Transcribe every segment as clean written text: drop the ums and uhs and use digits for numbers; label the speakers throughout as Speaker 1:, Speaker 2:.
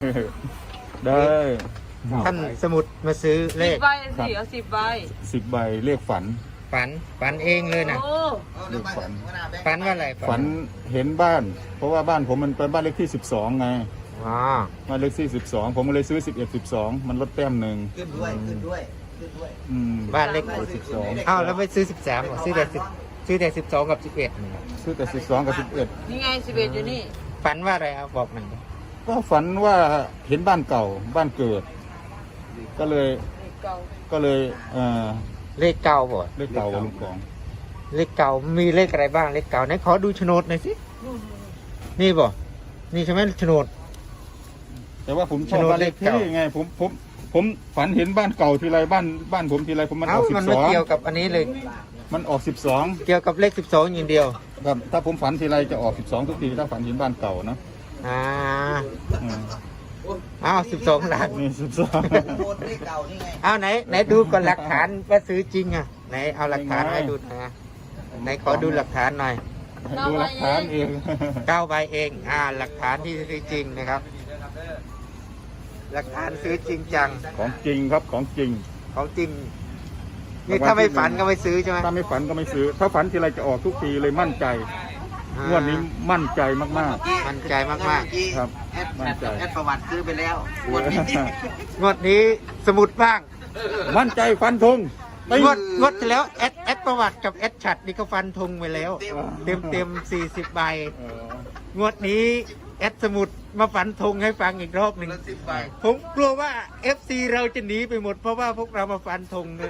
Speaker 1: ได้
Speaker 2: ท่านสมุดมาซื้อเล
Speaker 3: สิบ
Speaker 2: ข
Speaker 3: ใบสิเอา10 ใบ
Speaker 1: 10 ใบเลขฝัน
Speaker 2: ฝันเองเลยนะ
Speaker 3: โอ้
Speaker 1: เลขฝัน
Speaker 2: ฝันว่าอะไร
Speaker 1: ฝันเห็นบ้าน เพราะว่าบ้านผมมันเป็นบ้านเลขที่12ไง
Speaker 2: อ๋อ
Speaker 1: บ้านเลขที่12ผมก็เลยซื้อ11 12มันลดแต้มหนึ่ง
Speaker 4: ขึ้นด้วย
Speaker 1: อืม
Speaker 2: บ้านเลข
Speaker 1: 12
Speaker 2: อ้าวแล้วไปซื้อ13หรอซื้อแต่12กับ11นี่
Speaker 1: ซื้อแต่12กับ
Speaker 3: นี่ไง11อยู่นี่
Speaker 2: ฝันว่าอะไรเอาบอกหน่อย
Speaker 1: 11ก็ฝันว่าเห็นบ้านเก่าบ้านเกิด ก็เลย
Speaker 3: เก่า
Speaker 1: ก็เลย
Speaker 2: เลขเก่าบ่
Speaker 1: เลขเก่าลุงกอง
Speaker 2: เลขเก่ามีเลขอะไรบ้างเลขเก่าไหนขอดูโฉนดหน่อยสินี่บ่นี่ใช่ไหมโฉนด
Speaker 1: แต่ว่าผมชอบ
Speaker 2: โฉนด
Speaker 1: บ้านเลข
Speaker 2: เลขเก่า
Speaker 1: ที่ไงผมฝันเห็นบ้านเก่าทีไรบ้านผมทีไรผมมันอ
Speaker 2: เอ้า
Speaker 1: อก
Speaker 2: มันไม่เกี่ยวกับอันนี้เลย
Speaker 1: 12มันออก12
Speaker 2: เกี่ยวกับเลข12อย่างเดียว
Speaker 1: ครับถ้าผมฝันทีไรจะออก12ทุกทีถ้าฝันเห็นบ้านเก่านะ
Speaker 2: อ่า
Speaker 1: อืม
Speaker 2: อ้าว12ล้าน
Speaker 1: นี่
Speaker 4: โคตรเลขเก่านี่ไง
Speaker 2: เอาไหนดูก่อนหลักฐานว่าซื้อจริงอ่ะไหนเอาหลักฐานให้ดูหนะไหนขอดูหลักฐานหน่อย
Speaker 1: 12ดูหลักฐานเอง
Speaker 2: 9ใบเองหลักฐานที่ซื้อจริงนะครับ หลักฐานซื้อจริงจัง
Speaker 1: ของจริงครับของจริง
Speaker 2: ของจริงนี่ถ้าไม่ฝันก็ไม่ซื้อใช่ไหม
Speaker 1: ถ้าไม่ฝันก็ไม่ซื้อ ถ้าฝันทีไรจะออกทุกทีเลยมั่นใจงวดนี้มั่นใจมาก
Speaker 2: มั่นใจมาก
Speaker 1: ๆครับ มั่นใจ
Speaker 4: แอดประวัติซื้อไปแล้วงวดนี้
Speaker 2: ๆงวดนี้สมุดบ้าง
Speaker 1: มั่นใจฟันธงไป
Speaker 2: งวดที่แล้วแอดประวัติกับแอดฉัดนี่ก็ฟันธงไปแล้ว เต็ม40 ใบ งวดนี้แอดสมุดมาฝันธงให้ฟังอีกรอบหนึ่ง
Speaker 4: 10 ใบ
Speaker 2: ผมกลัวว่า FC เราจะหนีไปหมดเพราะว่าพวกเรามาฟันธงเนี่ย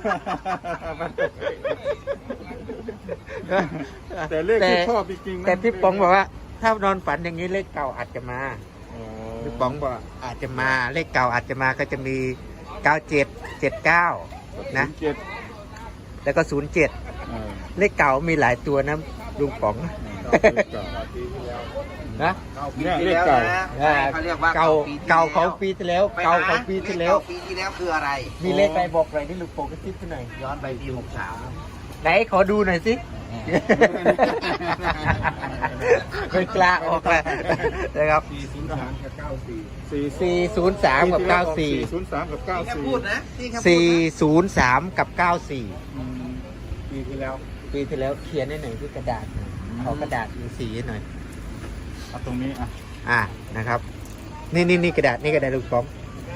Speaker 1: แต่เลขที่ชอบจริงๆนะ
Speaker 2: แต่พี่ป๋องบอกว่า ถ้านอนฝันอย่างนี้เลขเก่าอาจจะมา
Speaker 1: อ๋อ
Speaker 2: พี่ป๋องบอกอาจจะมาเลขเก่าอาจจะมาก็จะมี 97 79 นะ
Speaker 1: 07
Speaker 2: แล้วก็ 07
Speaker 1: เออ
Speaker 2: เลขเก่ามีหลายตัวนะลุงป๋อง
Speaker 1: เลขเก่า
Speaker 2: นะ
Speaker 1: เนี่ยเลขเก่า
Speaker 4: เขาเรียกว่า
Speaker 2: เก่า
Speaker 4: ปีที่
Speaker 2: เก่าของ
Speaker 4: แล้ว
Speaker 2: ปีที่แล้วเก่าของปีที่แล้ว
Speaker 4: ปีที่แล้วคืออะไร
Speaker 2: มีเลขอะไรบอกหน่อยที่ลุงป๋องกระซิบหน่อย
Speaker 4: ย้อนไปปี63
Speaker 2: ไหนขอดูหน่อยสิ ไม่กล้าออกเลยนะครับ
Speaker 4: 403 กับ 94
Speaker 2: 403 กับ
Speaker 1: 403 กับ
Speaker 4: นี่แค่พูด
Speaker 1: 94
Speaker 4: นะนี่แค่
Speaker 2: 94
Speaker 4: พูดนะ
Speaker 2: 403 กับ 94
Speaker 1: อืม
Speaker 4: ปีที่แล้ว
Speaker 2: ปีที่แล้วเขียนให้หน่อยที่กระดาษหน่อยขอกระดาษมีสีหน่อย
Speaker 1: เอาตรงนี้อ่ะ
Speaker 2: นะครับ นี่กระดาษนี่กระดาษลูกป๋อง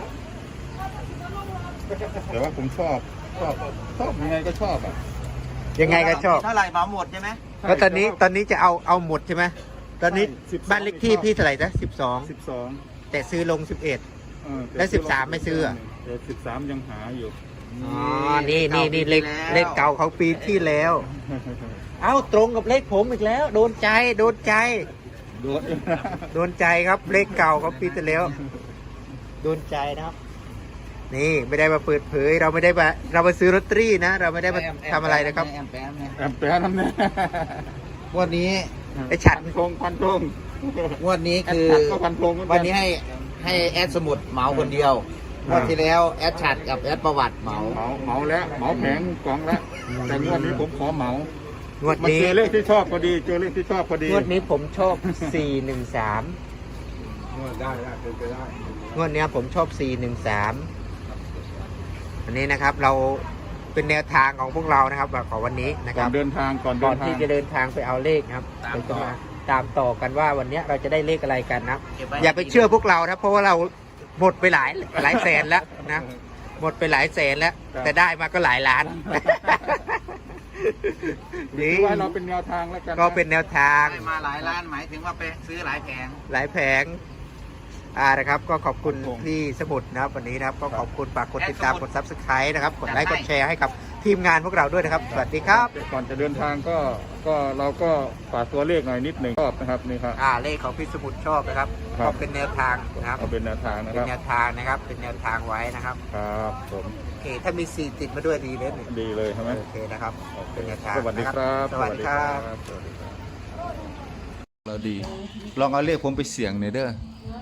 Speaker 1: แต่ว่าผมชอบยังไงก็ชอบอ่ะ
Speaker 2: ยังไงก็ชอบ
Speaker 4: เท่าไหร่เหมาหมดใช่ไหม
Speaker 2: แล้วตอนนี้จะเอาหมดใช่ไหมตอนนี้
Speaker 1: ใช่12
Speaker 2: บ้านเลขที่พี่เท่าไหร่นะ
Speaker 1: 12
Speaker 2: 12 แต่ซื้อลง 11 แล้ว13ไม่ซื้ออ่ะ
Speaker 1: เดี๋ยว13ยังหาอยู่
Speaker 2: อ๋อ นี่เลขเก่าของปีที่แล้ว เอ้าตรงกับเลขผมอีกแล้ว โดนใจ
Speaker 1: โดน
Speaker 2: โดนใจครับเลขเก่าของปีที่แล้ว โดนใจนะครับ นี่ไม่ได้มาเปิดเผย เรามาซื้อลอตเตอรี่นะ เราไม่ได้มาทำอะไรนะครับ
Speaker 4: แอมแปมเนี่ย
Speaker 1: แอมแปร์น้ำเนี่ย
Speaker 4: งวดนี้
Speaker 2: ไอ้ฉัด
Speaker 1: พันธง
Speaker 4: งวดนี้คือ
Speaker 1: ก็พันธงเหมือกั
Speaker 4: วันนี้ให้แอดสมุดเหมาคนเดียวงวดที่แล้วแอดฉัดกับแอดประวัติเหมา
Speaker 1: เหมาแล้วเหมาแผงกล่องแล้วแต่งวดนี้ผมขอเหมาง
Speaker 2: วด
Speaker 1: มา
Speaker 2: นี้
Speaker 1: เจอเลขที่ชอบพอดีเจอเลขที่ชอบพอดี
Speaker 2: งวดนี้ผมชอบ 413
Speaker 4: ได้เป็นไปได้
Speaker 2: งวดเนี้ยผมชอบ 413 อันนี้นะครับเราเป็นแนวทางของพวกเรานะครับของวันนี้นะค
Speaker 1: ก่อ
Speaker 2: รั
Speaker 1: น
Speaker 2: บ
Speaker 1: เดินทางก่อน
Speaker 2: ก่
Speaker 1: เดิ
Speaker 2: อน
Speaker 1: นทาง
Speaker 2: ที่จะเดินทางไปเอาเลขนะครับเราจะมาตามต่อกันว่าวันเนี้ยเราจะได้เลขอะไรกันนะอย่าไปเชื่อพวกเรานะเพราะว่าเราหมดไปหลายแสนแล้วนะหมดไปหลายแสนแล้ว แต่ได้มาก็หลายล้าน
Speaker 1: ถือว่าเราเป็นแนวทางแล้วกันนะ
Speaker 2: ก็เป็นแนวทาง
Speaker 4: ได้มาหลายล้านหมายถึงว่าไปซื้อหลายแผง
Speaker 2: หลายแผงนะครับก็ขอบคุณพี่สมุดนะครับวันนี้นะครับก็ขอบคุณฝากกดติดตามกด Subscribe นะครับกดไลค์กดแชร์ให้กับทีมงานพวกเราด้วยนะครับสวัสดีครับ
Speaker 1: ก่อนจะเดินทางก็เราก็ฝากตัวเลขหน่อยนิดหนึ่งชอบนะครับนี่ครับ
Speaker 2: เลขของพี่สมุดชอบนะครับ
Speaker 1: ครับ
Speaker 2: ก็เป็นแนวทางนะครับ
Speaker 1: เอาเป็นแนวทางนะ
Speaker 2: เป็
Speaker 1: คน รับ
Speaker 2: แนวทางนะครับเป็นแนวทางไว้นะครับ
Speaker 1: ครับผม
Speaker 2: โอเคถ้ามี4ติดมาด้วยดีเลยเนี่ย
Speaker 1: ดีเลยใช่ไหม
Speaker 2: โอเคนะครับ เป็นแนวทาง
Speaker 1: สวัสดีครับ
Speaker 2: สวัสดีครับ
Speaker 1: สวัสดีครับเราดี ลองเอาเลขผมไปเสี่ยงหน่อยเด้อ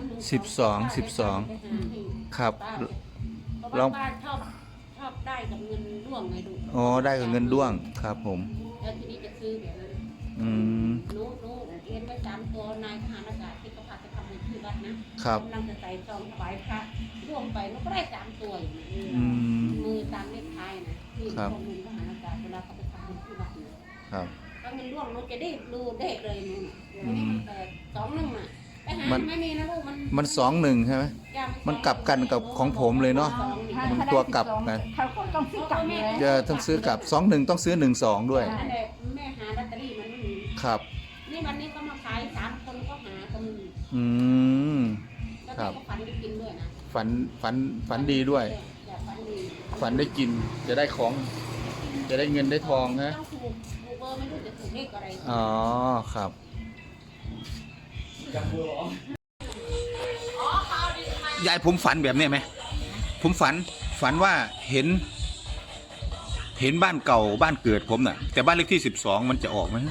Speaker 1: 12ครับลอง
Speaker 3: บ้านชอบได้กับเงินร่วงไงดู
Speaker 1: อ๋อได้กับเงินด้วงครับผม
Speaker 3: แล้วทีนี้จะซื้อแบบนั้น
Speaker 1: อืม
Speaker 3: หนูเรียนไว้3 ตัวนายทหารอากาศที่เขาพาไปทำบุญที่วัดนะนะครับ กำลังจะใส่ซองถวายพระร่วมไปมันก็ได้3 ตัวอยู่
Speaker 2: อืม
Speaker 3: มือตามเลขท้ายนะที่
Speaker 2: ครับ
Speaker 3: ข้อมูลทหารอากาศเวลาเขาไปทำที่วัดเนี่ย
Speaker 2: ครับ
Speaker 3: ถ้าเงินร่วงเราจะได้ดูเลขเลยนู่นน่ะ
Speaker 2: อืม
Speaker 3: แต่21น่ะไปหา
Speaker 2: มัน
Speaker 3: ไม่มีนะลูกมัน
Speaker 2: มัน2-1ใช่ไหม
Speaker 3: ย่า
Speaker 2: มันกลับกันกับของผมเลยเนาะ มันตัวกลับกัน
Speaker 5: เขาก็ต้องซื้อกลับเลย
Speaker 2: จะต้องซื้อกลับ2-1ต้องซื้อ1-2ด้วย
Speaker 3: นั่นแหละแม่หาลอตเตอรี่มันไม่มี
Speaker 2: ครับ
Speaker 3: นี่วันนี้ก็มาขาย3 คนก็หาก็มี
Speaker 2: อืม
Speaker 3: แล้ว
Speaker 2: ครั
Speaker 3: แม่
Speaker 2: บ
Speaker 3: ก็ฝันได้กินด้วยนะ
Speaker 2: ฝันดีด้วย
Speaker 3: แต่ฝันดี
Speaker 2: ฝันได้กิน จะได้ของ จะได้เงินได้ทองนะ
Speaker 3: ต้องถูกเบอร์ไม่รู้จะถูกเลขอะไร
Speaker 2: อ๋อ ครับ ยายผมฝันแบบนี้ไหม ผมฝันว่าเห็นบ้านเก่าบ้านเกิดผมน่ะ แต่บ้านเลขที่12มันจะออกไหม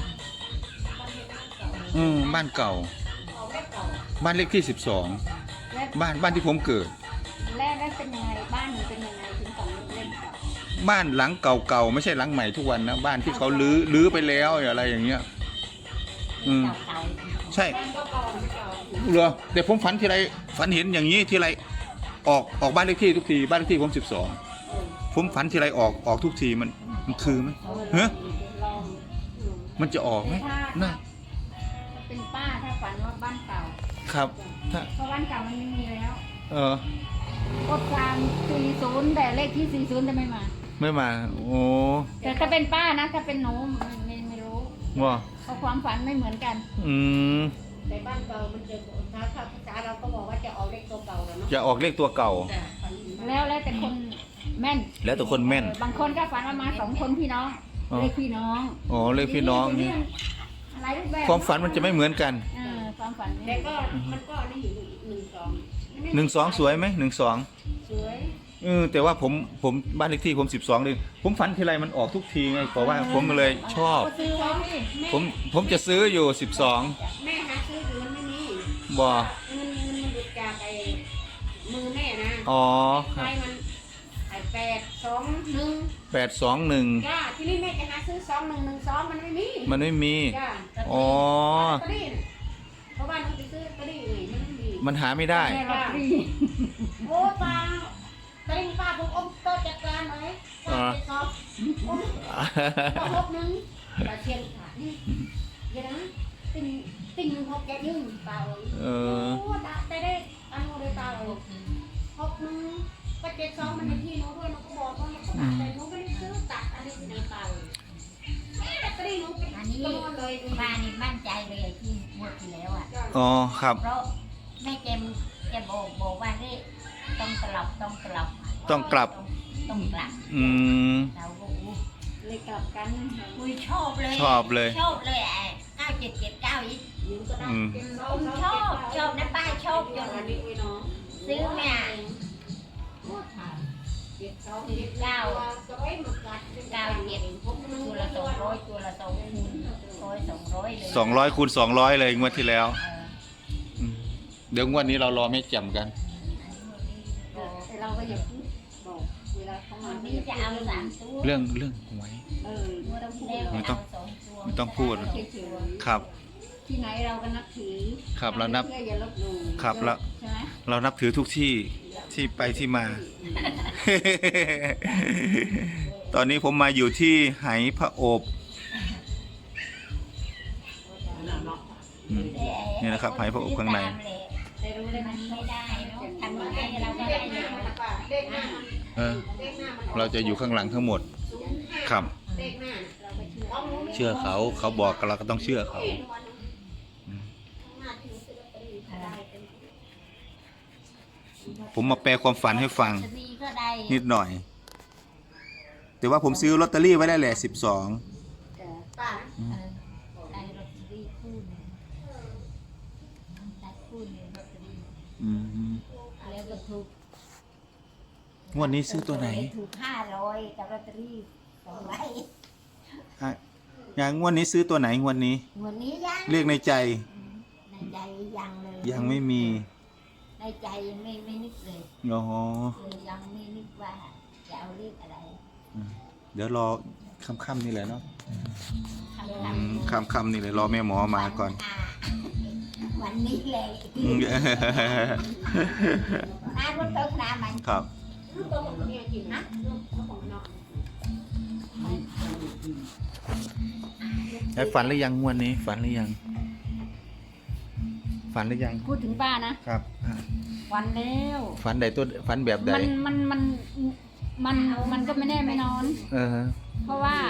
Speaker 2: บ้านเก่า บ้านเลขที่12บ้านที่ผมเกิด
Speaker 5: แล้วเป็นยังไงบ้านหนูเป็นยังไงถึงต้องเล่นกับ
Speaker 2: บ้านหลังเก่าๆไม่ใช่หลังใหม่ทุกวันนะบ้านที่เขาลื้อไปแล้วอะไรอย่างเงี้ย
Speaker 5: เต่า
Speaker 2: ใช่เหรอแต่ผมฝันทีไรฝันเห็นอย่างนี้ทีไรออกบ้านเลขที่ทุกทีบ้านเลขที่ผม12ผมฝันทีไรออกทุกทีมันคือไหมเฮ้ยมันจะออกไหมน่า
Speaker 5: เป็นป้าถ้าฝันว่าบ้านเก่า
Speaker 2: ครับถ้า
Speaker 5: เพราะบ้านเก่ามันไม่มีแล้ว
Speaker 2: อ
Speaker 5: กดความ40แต่เลขที่40จะไม่มา
Speaker 2: ไม่มาโอ้
Speaker 5: แต่ถ้าเป็นป้านะถ้าเป็นหนูไม่รู้
Speaker 2: ว่า
Speaker 5: เพราะความฝันไม่เหมือนกัน
Speaker 2: อืม
Speaker 3: ในบ้านเก่ามันจะถ้าภาษาเราก็บอกว่าจะเอาเลขตัวเก่าแล้วเนาะ
Speaker 2: จะออกเลขตัวเก่า
Speaker 3: แต่ฝันดีมาก
Speaker 5: แล้วแต่คนแม่น
Speaker 2: แล้วแต่คนแม่น
Speaker 5: บางคนก็ฝันว่ามา2 คนพี่น้อง
Speaker 2: อ๋อ
Speaker 5: เลขพี่น้อง
Speaker 2: อ๋อเลขพี่น้องนี่
Speaker 5: อะไรรูปแบบ
Speaker 2: ความฝันมันจะไม่เหมือนกัน
Speaker 5: ความฝัน
Speaker 3: แต่ก็มันก็นี่อยู่
Speaker 2: 12สวยไหม12
Speaker 3: สวย
Speaker 2: แต่ว่าผมบ้านเลขที่ผม12เลยผมฝันทีไรมันออกทุกทีไงเพราะว่าผมเลยชอบ
Speaker 5: ก็ซื้อไว้สิ
Speaker 2: ผมจะซื้ออยู่12
Speaker 3: แม่หาซื้ออยู่มันไม่มี
Speaker 2: บ่
Speaker 3: เงินมันหลุดจากไอ้มือแม่นะ
Speaker 2: อ๋อค
Speaker 3: ไป
Speaker 2: รับ
Speaker 3: มันไอ้821
Speaker 2: 821
Speaker 3: จ้าที่นี่แม่จะหาซื้อ2112มันไม่มี
Speaker 2: มันไม่มี
Speaker 3: จ้า
Speaker 2: อ๋อ
Speaker 3: ลอตเตอรี่น่ะเพราะว่าหนูไปซื้อลอตเตอรี่ไงมันไม่มี
Speaker 2: มันหาไม่ได้
Speaker 5: แม่ลอตเตอรี่
Speaker 3: โอ้ป้าตอนนี้ป้าผมอมโตะจัดการหน่อยป้าไปสอบอมก็6 1ป้าเชียนขาดนี่เดี๋ยวนะติ่ง6แกยืนเปล่า
Speaker 2: เออ
Speaker 3: โอ้ได้อันโมเดลเปล่า6 1ก็72มันเป็นที่หนูด้วยหนูก็บอกว่ามันก็ตัดแต่หนูไม่ได้ซื้อตัดอะไรที่ไหนเปล่าแม่ลอตเตอรี่หนูเป็น
Speaker 5: อันนี้
Speaker 3: จำนวนเลย
Speaker 5: ป้านี่มั่นใจเลยที่งวดที่แล้วอ่ะ
Speaker 2: อ๋อครับ
Speaker 5: เพราะแม่แกบอกว่านี่ต้องกลับ
Speaker 2: ต้องกลับ
Speaker 5: ต้องกลับ
Speaker 2: อืม
Speaker 5: เราก็เลยกลับกันคุยชอบเลย
Speaker 2: ชอบเลย
Speaker 5: ชอบเลย9779อีก
Speaker 3: หนูก็ได้
Speaker 2: อืม
Speaker 5: ชอบนะป้าชอบจน
Speaker 3: อันนี้ไว้เนาะ
Speaker 5: ซื้อเนี่ย
Speaker 3: 9จะไว้หมึกกัด
Speaker 5: ตัวละ200ตัวละ200เลย
Speaker 2: 200คูณ200เลยงวดที่แล้วมเดี๋ยวงวดนี้เรารอแม่แจ่มกัน
Speaker 3: แต่เราก็อย่าพูดบอกเวลาเขามา
Speaker 5: วัน
Speaker 3: ไม่
Speaker 5: นี้
Speaker 3: จะ
Speaker 5: จะ
Speaker 3: เอา
Speaker 5: เอา3ตัว
Speaker 2: เรื่องหวย
Speaker 3: ไม่ต้องพูด
Speaker 2: ไม่ต้องไม่ต้องพูด
Speaker 3: เฉย
Speaker 2: ครับ
Speaker 3: ๆที่ไหนเราก็นับถือ
Speaker 2: ครับเรานับ
Speaker 3: เชื่ออย่าลบหลู่
Speaker 2: ครับแล้ว
Speaker 3: ใช่ไหม
Speaker 2: เรานับถือทุกที่ที่ไปที่มา ตอนนี้ผมมาอยู่ที่ไหพระโอบอืมนี่นะครับไหพระโอบข้างใน
Speaker 3: แต่รู้เลย
Speaker 5: มันไม่ได้เนาะทำยังไงเราก็ได้เนาะ
Speaker 3: เลขหน้ามัน
Speaker 2: เออ
Speaker 3: เลขหน้ามัน
Speaker 2: เราจะอยู่ข้างหลังทั้งหมด ครับ
Speaker 3: เลขหน้าเราไปเชื่อ
Speaker 2: เชื่อเขาบอกเราก็ต้องเชื่อเขา ผมมาแปลความฝันให้ฟัง
Speaker 5: จะมีก็ได้
Speaker 2: นิดหน่อย แต่ว่าผมซื้อลอตเตอรี่ไว้ได้แหละ12
Speaker 3: ป้า
Speaker 5: ได้ลอตเตอรี่คู่หนึงได้คู่หนึงลอตเตอรี่
Speaker 2: อืม
Speaker 5: แล้วก็ถูก
Speaker 2: งวดนี้ซื้อตัวไหน
Speaker 5: ถูก500กับลอตเตอรี่2ใบ
Speaker 2: อ่ะอย่างงวดนี้ซื้อตัวไหนงวดนี้
Speaker 5: วันนี้ยัง
Speaker 2: เรียกในใจ
Speaker 5: ในใจยังเลย
Speaker 2: ยังไม่มี
Speaker 5: ในใจไม่นึกเลย
Speaker 2: อ๋อ
Speaker 5: ยังไม่นึกว่าจะเอาเลขอะไร
Speaker 2: เดี๋ยวรอค่ำๆนี่แหละเนาะ
Speaker 5: คำ
Speaker 2: ค่ำๆนี่เลยรอแม่หมอมาก่อน
Speaker 5: ค
Speaker 3: วันนี้เลยน้ารถเติมน้ำมัน
Speaker 1: ครับ
Speaker 3: ลูกโตของเนี่ยกินนะลูกของนอน
Speaker 2: แล้วฝันหรือยังงวดนี้ฝันหรือยัง ฝันหรือยัง
Speaker 3: พูดถึงป้านะครับ วันแล้ว
Speaker 2: ฝันใดตัวฝันแบบใด
Speaker 3: มันก็ไม่แน่ไม่นอน
Speaker 2: เออ
Speaker 3: เพราะว่า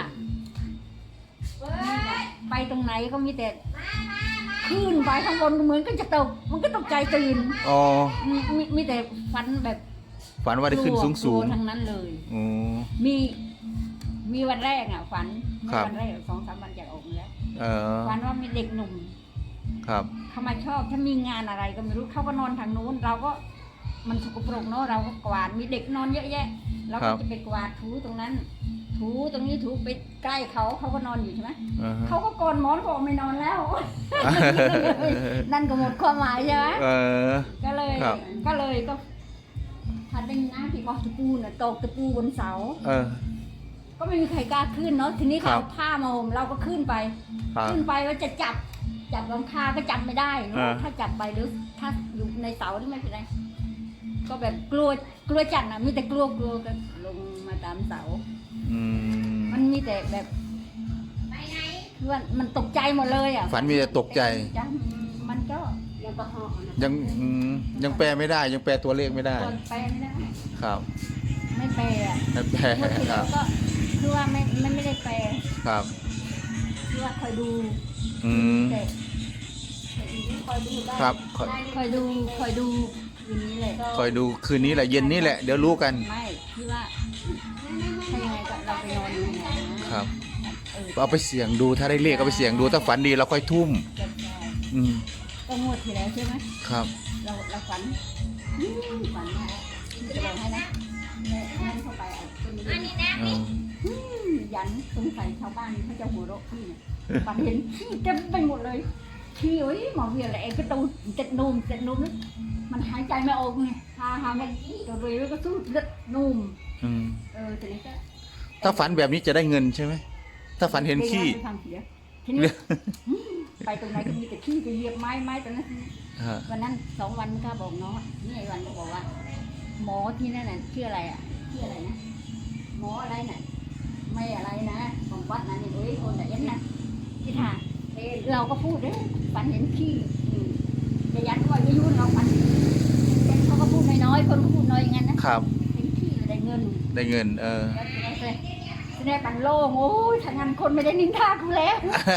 Speaker 3: ไปตรงไหนก็มีแต่ขึ้นไปข้างบนก็เหมือนก็จะตกมันก็ตกใจตื่น
Speaker 2: อ๋อ
Speaker 3: มีแต่ฝันแบบ
Speaker 2: ฝันว่าได้ขึ้นสูง
Speaker 3: กลัวทั้งนั้นเลย
Speaker 2: ๆอ๋อ
Speaker 3: มีวันแรกอ่ะฝัน
Speaker 2: ครับ
Speaker 3: วันแรก2-3 วันจากออกมาแล้ว
Speaker 2: เออ
Speaker 3: ฝันว่ามีเด็กหนุ่ม
Speaker 2: ครับ
Speaker 3: เขามาชอบถ้ามีงานอะไรก็ไม่รู้เขาก็นอนทางนู้นเราก็มันสกปรกเนาะเราก็กวาดมีเด็กนอนเยอะแยะเราก็จะไปกวาดถูตรงนั้น ถูตรงนี้ถูไปใกล้เขาก็นอนอยู่ใช่ไหม
Speaker 2: อ่าฮะ
Speaker 3: เขาก็กอนหมอนบอกไม่นอนแล้ว นั่นก็หมดความหมายใช่ไหม
Speaker 2: เออ
Speaker 3: ก็เลย
Speaker 2: ครับ
Speaker 3: ก็พันเป็นน้ำที่บอกตะปูน่ะตกตะปูบนเสา
Speaker 2: เออ
Speaker 3: ก็ไม่มีใครกล้าขึ้นเนาะทีนี้
Speaker 2: ครั
Speaker 3: เขา
Speaker 2: บ
Speaker 3: เอาผ้ามาห่มเราก็ขึ้นไป
Speaker 2: ครับ
Speaker 3: ขึ้นไปว่าจะจับหลังคาก็จับไม่ได้เนอะ
Speaker 2: อ่า
Speaker 3: ถ้าจับไปหรือถ้าอยู่ในเสาที่ไม่เป็นไรก็แบบกลัวจัดนะมีแต่กลัวก็ลงมาตามเสา
Speaker 2: อืม
Speaker 3: มันมีแต่แบบคือว่ามันตกใจหมดเลยอ่ะ
Speaker 2: ฝันมีแต่ตกใจ
Speaker 3: จังมันก็ยังก็เหาะนะ
Speaker 2: ยังแปลไม่ได้ ยังแปลตัวเลขไม่ได้
Speaker 3: ตัวแปลไม่ได้
Speaker 2: ครับ
Speaker 3: ไม่แปลอ่ะ
Speaker 2: ไม่แปล
Speaker 3: เมื่อที่
Speaker 2: ค
Speaker 3: แล้
Speaker 2: รั
Speaker 3: ว
Speaker 2: บ
Speaker 3: ก็คือว่าไม่ได้แปล
Speaker 2: ครับ
Speaker 3: คือว่าคอยดู
Speaker 2: อืม
Speaker 3: แต่คอยดูได้
Speaker 2: ครับ
Speaker 3: คอยดูอย่างนี้เลย
Speaker 2: คอยดูคืนนี้แหละเย็นนี้แหละเดี๋ยวรู้กัน
Speaker 3: ไม่คือว่าถ้ายังไงก็เราไปนอนอยู่ไหนนะครับ
Speaker 2: เอาไปเสี่ยงดูถ้าได้เลขเอาไปเสี่ยงดูถ้าฝันดีเราค่อยทุ่ม
Speaker 3: จะ
Speaker 2: อืม
Speaker 3: ก็งวดที่แล้วใช่ไหม
Speaker 2: ครับ
Speaker 3: เราฝันฝันว่าจะบอกให้นะให้เข้าไปเอาต้นนี้
Speaker 2: เออ
Speaker 3: ยันสงสัยชาวบ้านเขาจะหัวเราะพี่เนี่ยฝันเห็นขี้เต็มไปหมดเลยขี้เอ้ยหมอเวียนอะไรก็ตูเจ็ดนุ่มนะมันหายใจไม่ออกไงพามันตัวเรือก็สู้เลือดนุ่ม
Speaker 2: อืม
Speaker 3: ทีนี้ก็
Speaker 2: ถ้าฝันแบบนี้จะได้เงินใช่ไหมถ้าฝันเห็นขี้
Speaker 3: ไปทำเสียทีนี้ไปตรงไหนก็มีแต่ขี้จะเหยียบไม้ตอนนั้น
Speaker 2: ฮะ
Speaker 3: วันนั้น2 วันก็บอกน้องนี่ไอ้วันก็บอกว่า หมอที่นั่นน่ะชื่ออะไรอ่ะชื่ออะไรนะหมออะไรน่ะไม่อะไรนะของวัดนะนี่เอ้ยคนแต่ยันนะที่ท่าเราก็พูดเด้ฝันเห็นขี้จะยันว่าไม่ยุ่งเราฝันเขาก็พูดน้อยคนก็พูดน้อยอย่างนั้นนะครับ เห็นขี้ได้เงิน
Speaker 2: ได้เงิน เออ
Speaker 3: แล้วจะได้ปันโล่งโอ้ยทางงานคนไม่ได้นินทากูแล้ว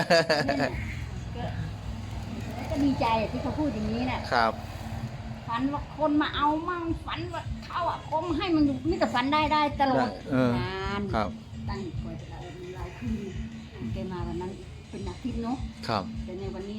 Speaker 3: ก็ดีใจที่เขาพูดอย่างนี้น่ะ
Speaker 2: ครับ
Speaker 3: ฝันว่าคนมาเอามั่งฝันว่าเขาอ่ะคมให้มันอยู่มิแต่ฝันได้ตลอด
Speaker 2: เออ
Speaker 3: นาน
Speaker 2: ครับ
Speaker 3: ตั้งคอยจะเอาหลายคืนแกมาวันนั้นเป็นอาทิตย์เนาะ
Speaker 2: ครับ
Speaker 3: แต่ในวันนี้